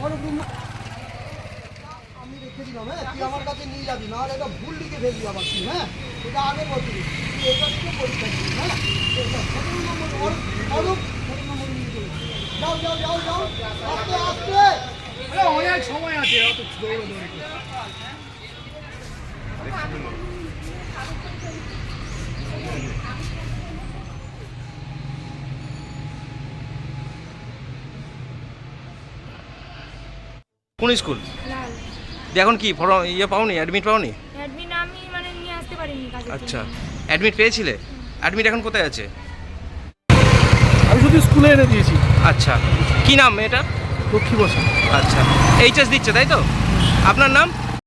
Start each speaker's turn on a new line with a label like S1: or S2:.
S1: আমি রেখে দিলাম, হ্যাঁ তুই আমার কাছে নিয়ে যাবি, নাহলে এটা ভুল লিখে ফেলবি আবার তুই। হ্যাঁ এটা আগে বলবি তুই, এটা থেকে পরীক্ষা দিবি। হ্যাঁ 17 নম্বর অরূপ 17 নম্বর নিয়ে চলে যাও যাও যাও যাও আস্তে আস্তে।
S2: অনেক সময় আছে, অত দৌড়াদৌড়ি করে।
S3: কোন স্কুল?
S4: লাল
S3: এখন কি ফর্ম ইয়ে পাওনি, অ্যাডমিট পাওনি?
S4: অ্যাডমিন আমি মানে নিয়ে আসতে পারিনি কাজের জন্য।
S3: আচ্ছা, অ্যাডমিট পেয়েছিলে? অ্যাডমিট এখন কোথায় আছে?
S2: আমি শুধু স্কুলে এনে দিয়েছি।
S3: আচ্ছা, কি নাম মেয়েটার?
S2: লক্ষ্মী বসা।
S3: আচ্ছা, এইচএস দিচ্ছে তাই তো? আপনার নাম?